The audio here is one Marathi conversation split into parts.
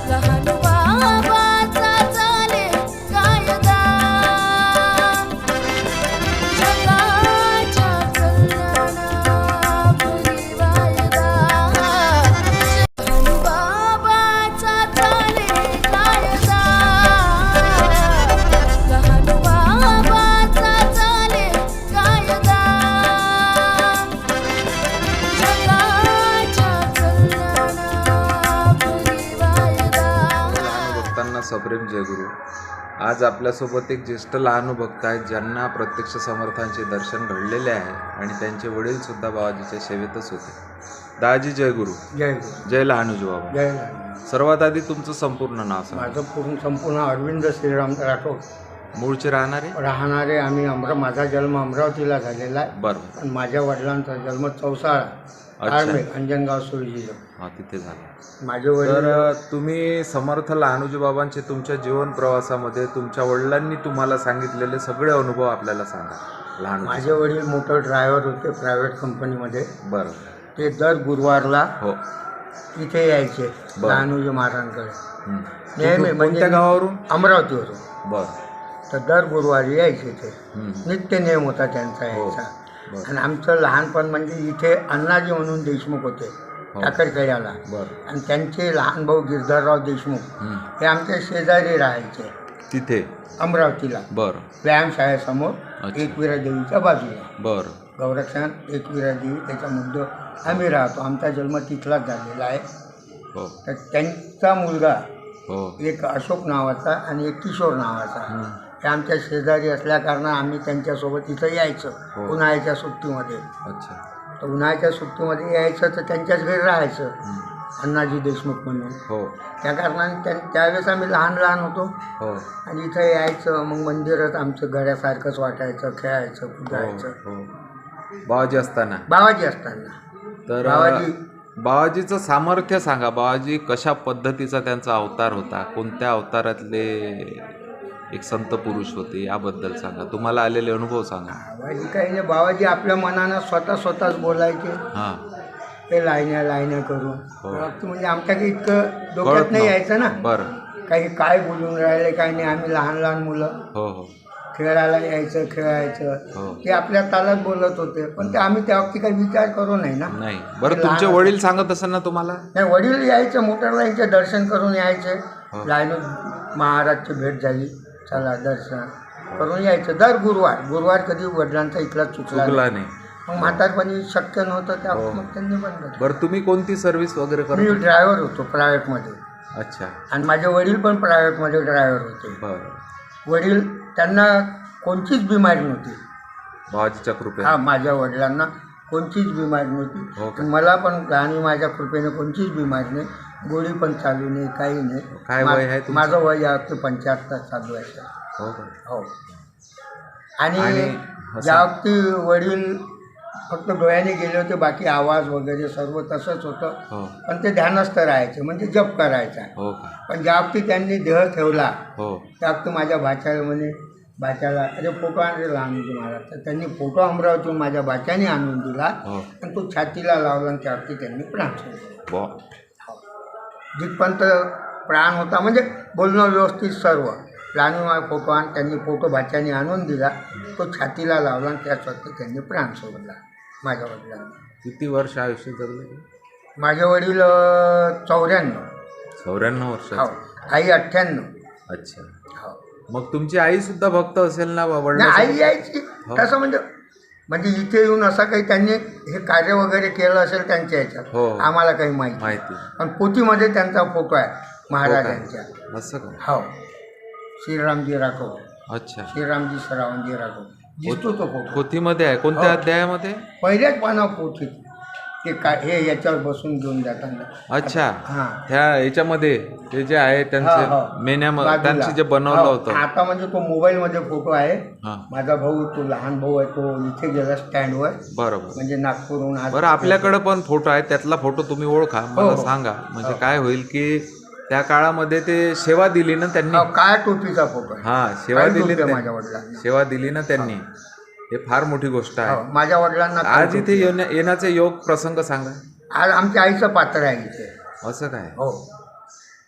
लहान बाबाचा चाले कायदा जगाच्या कल्याणापुरी वायदा लहान बाबाचा चाले कायदा लहान बाबाचा चाले कायदा जगाच्या कल्याणापुरी वायदा भक्तांना सप्रेम जयगुरु. आज आपल्यासोबत एक ज्येष्ठ लहानू भक्त आहेत ज्यांना प्रत्यक्ष समर्थांचे दर्शन घडलेले आहे आणि त्यांचे वडील सुद्धा बाबाजीच्या सेवेतच होते. दाजी जयगुरु. जय गुरु. जय लहानूजी बाबा. जय लहानू. सर्वात आधी तुमचं संपूर्ण नाव सांगा. माझं संपूर्ण अरविंद श्रीराम राठोड. मूळचे राहणारे? राहणारे आम्ही माझा जन्म अमरावतीला झालेला आहे. बरोबर. पण माझ्या वडिलांचा जन्म चौसाळा आर्मे अंजनगाव सुरजी. हा, तिथे झाला. माझे वडील तर तुम्ही समर्थ लहानूजी बाबांचे तुमच्या जीवन प्रवासामध्ये तुमच्या वडिलांनी तुम्हाला सांगितलेले सगळे अनुभव आपल्याला सांगा. लहानू. माझे वडील मोटर ड्रायव्हर होते प्रायव्हेट कंपनीमध्ये. बरं. ते दर गुरुवारला हो. इथे यायचे बरं. लहानूजी महाराजांकडे. हं. नेहमी कोणत्या गावावरून? अमरावतीवरून. बरं. तर दर गुरुवारी यायचे ते. हं. नित्य नियम होता त्यांचा हो. यायचा. बरं. आणि आमचं लहानपण म्हणजे इथे अण्णाजी म्हणून देशमुख होते हो. टाकरखेड्याला. बरं. आणि त्यांचे लहान भाऊ गिरधरराव देशमुख हं. हे आमच्या शेजारी राहायचे तिथे? अमरावतीला. बरं. व्यायामशाळेसमोर अच्छा. एकविरा देवीच्या बाजूला. बरं. गौरक्षण एकविरा देवी त्याच्या मुद्दे आम्ही राहतो. आमचा जन्म तिथलाच झालेला आहे. हो. तर त्यांचा मुलगा हो. एक अशोक नावाचा आणि एक किशोर नावाचा हं. हे आमच्या शेजारी असल्याकारणानं आम्ही त्यांच्यासोबत इथं यायचं हो. उन्हाळ्याच्या सुट्टीमध्ये. अच्छा. तर उन्हाळ्याच्या सुट्टीमध्ये यायचं तर त्यांच्याच घरी राहायचं हं. अण्णाजी देशमुख म्हणून. हो. त्या कारणाने त्यावेळेस आम्ही लहान लहान होतो हो. आणि इथं यायचं. मग मंदिरात आमचं घरासारखंच वाटायचं, खेळायचं, कुदायचं. हो. बाबाजी असताना? बाबाजी असताना. तर बाबाजीचं सामर्थ्य सांगा. बाबाजी कशा पद्धतीचा त्यांचा अवतार होता, कोणत्या अवतारातले एक संत पुरुष होते, याबद्दल सांगा. तुम्हाला आलेले अनुभव सांगा. बाबाजी काही नाही. बाबाजी आपल्या मनानं स्वतःच बोलायचे. हां. ते लाईन्या करून. हो. फक्त म्हणजे आमच्या काही इतकं डोक्यात कळत नाही नव्हतं. यायचं ना. बरं. काही काय बोलून राहिले काही नाही. आम्ही लहान लहान मुलं हो. हो. खेळायला यायचं, खेळायचं. हो. ते आपल्या तालात बोलत होते. पण ते आम्ही त्या बाबतीत काही विचार करू नाही ना. नाही. बरं, तुमचे वडील सांगत असेल ना तुम्हाला? नाही, वडील यायचे मोटर लाईनचे दर्शन करून यायचे. हो. लाईन महाराजची भेट झाली, चला दर्शन करून यायचं. दर गुरुवार कधी वडिलांचा इथला चुकला नाही. मग म्हातारपणी शक्य नव्हतं त्या हो. मग त्यांनी बंद केलं. बरं, तुम्ही कोणती सर्व्हिस वगैरे मी करता? ड्रायव्हर होतो प्रायव्हेटमध्ये. अच्छा. आणि माझे वडील पण प्रायव्हेटमध्ये ड्रायव्हर होते. बरं. वडील त्यांना कोणतीच बिमारी नव्हती. बाबाजीच्या कृपेने? हा, माझ्या वडिलांना कोणतीच बिमारी हो नव्हती. का? मला पण आणि माझ्या कृपेने कोणतीच बिमारी नाही. गोळी पण चालू नाही, काही नाही. काय वय आहे तुमचं? माझं वय यावरती 75 चालू आहे. हो का? हो. आणि असं- ज्यावरती वडील फक्त डोळ्याने गेले होते, बाकी आवाज वगैरे सर्व तसंच होतं. हो. पण ते ध्यानस्थ राहायचे, म्हणजे जप करायचा. हो का? पण ज्यावरती त्यांनी देह ठेवला हो. त्यावरती माझ्या भाच्याला बाच्याला अरे फोटो आणले लहानजी महाराज. तर त्यांनी फोटो अमरावतीहून माझ्या बाच्याने आणून दिला. हो. आणि तो छातीला लावला आणि त्यावरती त्यांनी प्राण सोडले. बा. जिथपर्यंत प्राण होता म्हणजे बोलणं व्यवस्थित सर्व. लहान फोटो त्यांनी फोटो भाच्याने आणून दिला. तो छातीला लावला आणि त्याचवरती त्यांनी प्राण सोडला माझ्या वडिलांनी. किती वर्ष आयुष्य जगले? माझे वडील 94. 94 वर्ष. हो. आई 98. अच्छा. हो. मग तुमची आई सुद्धा भक्त असेल ना? नाही, आई यायची हो. तसं म्हणजे इथे येऊन असं काही त्यांनी हे कार्य वगैरे केलं असेल त्यांच्या ह्याच्यात. हो. आम्हाला काही माहिती. पण पोथीमध्ये त्यांचा फोटो आहे महाराजांच्या. असं का? हो. श्रीरामजी राठोड. अच्छा. श्रीरामजी सरावजी राठोड दिसतो तो फोटो. पोथीमध्ये आहे? कोणत्या हो. अध्यायामध्ये? पहिल्याच पाना पोथीत ते काय हे याच्यावर बसून घेऊन जाताना. अच्छा. हां. त्या याच्यामध्ये ते जे आहे हो. त्यांचे मेन्यामध्ये बाजूला. त्यांचे जे बनवलं हो. होतं. आता म्हणजे तो मोबाईलमध्ये फोटो आहे. हां. माझा भाऊ, तो लहान भाऊ आहे, तो इथे गेला स्टँडवर. बरोबर. म्हणजे नागपूरहून आज. बरं, आपल्याकडे पण फोटो आहे. त्यातला फोटो तुम्ही ओळखा, मला हो. सांगा. म्हणजे काय होईल की त्या काळामध्ये ते सेवा दिली ना त्यांनी. काय टोपीचा फोटो आहे. हा, सेवा काळी दिली टोपी आहे ना माझ्या वडिलांना. सेवा दिली ना त्यांनी. हे फार मोठी गोष्ट हो, आहे. माझ्या वडिलांना आज इथे येण्याचे योग प्रसंग सांगा. आज आमच्या आईचं पात्र आहे इथे. असं काय? हो.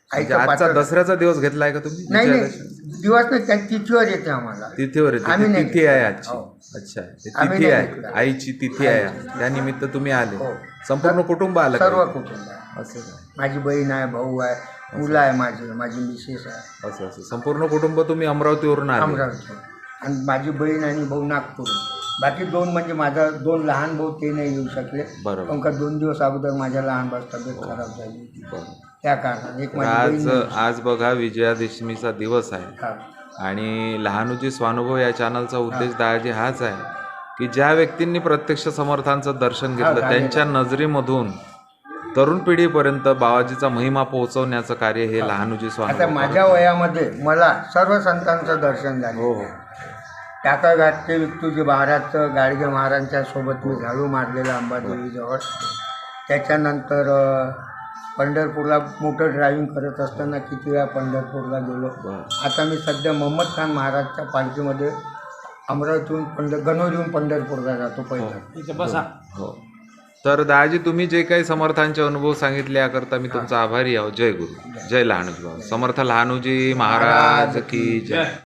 म्हणजे आईचं आजचा पात्र दसऱ्याचा दिवस घेतलाय का तुम्ही नाही विजयादशमी? दिवस नाही त्या तिथीवर येते आम्हाला. तिथीवर येते आम्ही ती नाही तिथी आहे घेतलं. आजची. हो. अच्छा ते आम्ही तिथी नाही आहे घेतलं. आईची तिथी आहे आज. त्यानिमित्त तुम्ही आले हो. संपूर्ण कुटुंब आलं सर्व का? कुटुंब आहे. असं काय? माझी बहीण आहे, भाऊ आहे, मुलं आहे, माझी मिसेस आहे असं असं संपूर्ण कुटुंब तुम्ही अमरावतीवरून आले. अमरावती. आणि माझी बहीण आणि भाऊ नागपूर. बाकी दोन म्हणजे माझा 2 लहान भाऊ ते नाही येऊ शकले. बरोबर. कारण का 2 दिवस अगोदर माझ्या लहान भाऊ तब्येत खराब झाली होती. बरं. त्या कारणाने एक तर माझी आज बहीण आज बघा विजयादशमीचा दिवस आहे हा. आणि लहानुजी स्वानुभव या चॅनलचा उद्देश दादाजी हाच आहे की ज्या व्यक्तींनी प्रत्यक्ष समर्थांचं दर्शन घेतलं हा, त्यांच्या नजरेमधून तरुण पिढीपर्यंत बाबाजीचा महिमा पोहोचवण्याचं कार्य हे लहानुजी आता स्वानुभव माझ्या करतात. वयामध्ये मला सर्व संतांचं दर्शन झालं. हो हो टाकाघाटचे विठ्ठलजी महाराजचं गाडगे महाराजांच्या सोबत मी झाडू मारलेलं अंबादेवीजवळ. त्याच्यानंतर पंढरपूरला मोटर ड्रायव्हिंग करत असताना किती वेळा पंढरपूरला गेलो. बरं. आता मी सध्या मोहम्मद खान महाराजच्या पालखीमध्ये अमरावतीहून गणोरीहून पंढरपूरला जातो पहिला. हो तर दादाजी तुम्ही जे काही समर्थांचे अनुभव सांगितले याकरता मी तुमचा आभारी आहो. जय गुरु जय लहानुजी बाबा समर्थ लहानुजी महाराज की जय.